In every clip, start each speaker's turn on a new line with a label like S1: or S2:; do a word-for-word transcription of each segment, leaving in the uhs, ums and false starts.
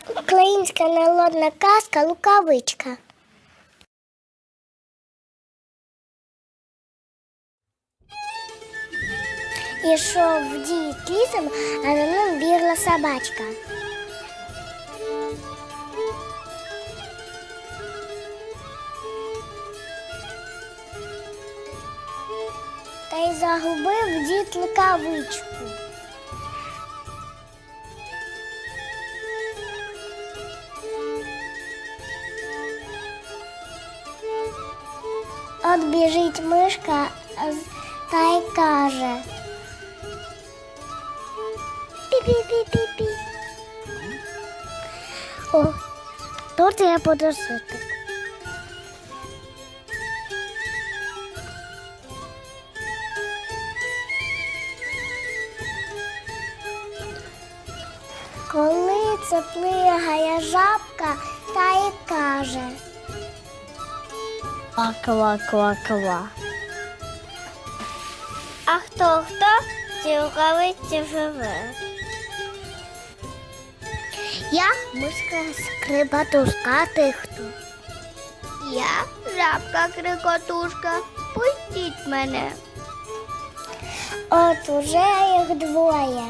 S1: Українська народна казка «Рукавичка». Ішов дід лісом, а за ним бігла собачка. Та й загубив дід рукавичку. От біжить мишка та й каже: пі-пі-пі-пі-пі. О, тут я буду жити. Коли це плигає жабка, та й каже: ква-ква-ква-ква. А хто-хто в цій рукавиці живе? Я мишка скрипатушка, а ти хто? Я жабка крикотушка, пустіть мене. От уже їх двоє.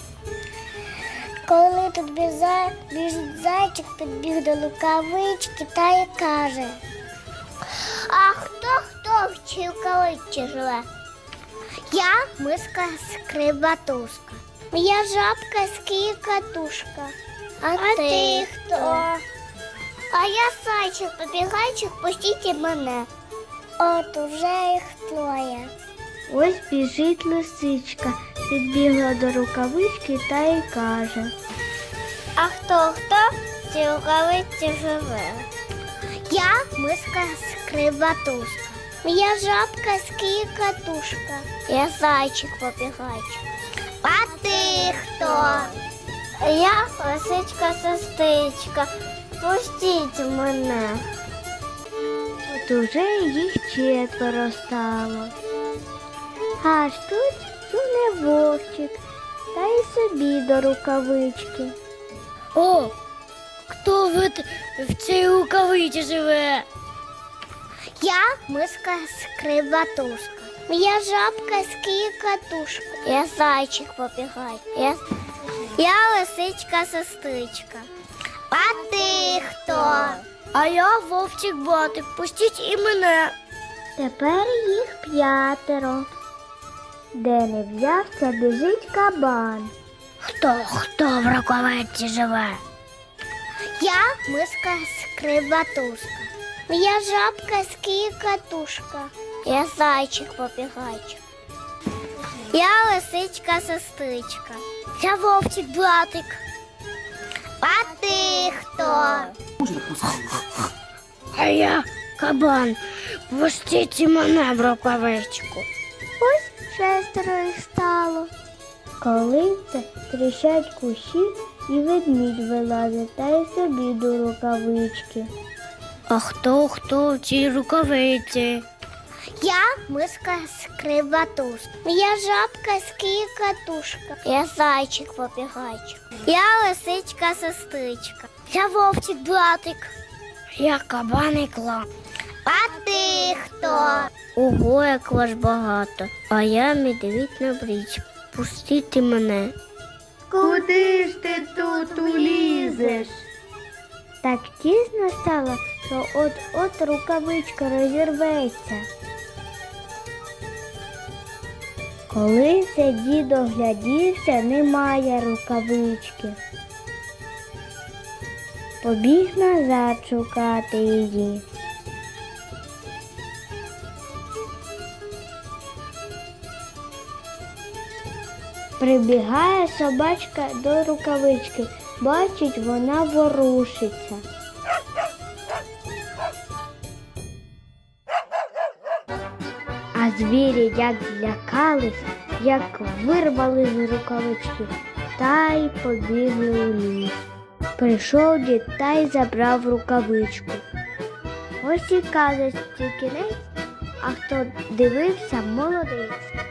S1: Коли тут біжить зайчик, підбіг до рукавички та й каже: а хто-хто в цій рукавичці живе? Я мишка скрипатушка. Я жабка скрикотушка. А, а ти, ти хто? А я зайчик-побігайчик, пустіть мене. От уже їх троє.
S2: Ось біжить лисичка, підбігла до рукавички та й каже:
S1: а хто-хто в цій рукавиці живе? Я мишка скрипатушка. Я жабка скрикотушка. Я зайчик-побігайчик. А ти хто? Я лисичка-сестричка. Пустіть мене.
S2: От уже їх четверо стало. Аж тут суне вовчик та й собі до рукавички.
S3: О, хто в, в цій рукавиці живе?
S1: Я мишка скрипатушка. Я жабка скрикотушка. Я зайчик-побігайчик. Я, я лисичка-сестричка. А ти хто?
S3: А я вовчик-батик, пустіть і мене.
S2: Тепер їх п'ятеро. Де не взявся, біжить кабан.
S3: Хто, хто в рукавиці живе?
S1: Я мишка скрипатушка. Я жабка скрикотушка. Я зайчик-побігайчик. Я лисичка-сестричка.
S3: Я вовчик-батик.
S1: А ти хто?
S3: А я кабан, пустіть і мене в рукавичку.
S2: Ось шестеро їх стало. Коли це тріщать кущі, і ведмідь вилазить та й собі до рукавички.
S3: А хто, хто в цій рукавиці?
S1: Я мишка скрипатушка. Я жабка скрикотушка. Я зайчик-побігайчик. Я лисичка-сестричка.
S3: Я вовчик-батик. Я кабан і клан.
S1: А ти хто?
S3: Ого, як вас багато. А я медвідь на бріч. Пустіть мене.
S2: Куди ж ти тут улізеш? Так тісно стало, що от-от рукавичка розірветься. Коли це дід оглядівся, немає рукавички. Побіг назад шукати її. Прибігає собачка до рукавички, бачить, вона ворушиться. А звірі як злякались, як вирвали з рукавички, та й побігли у ліс. Прийшов дід та й забрав рукавичку. Ось і казочці кінець, а хто дивився, молодець.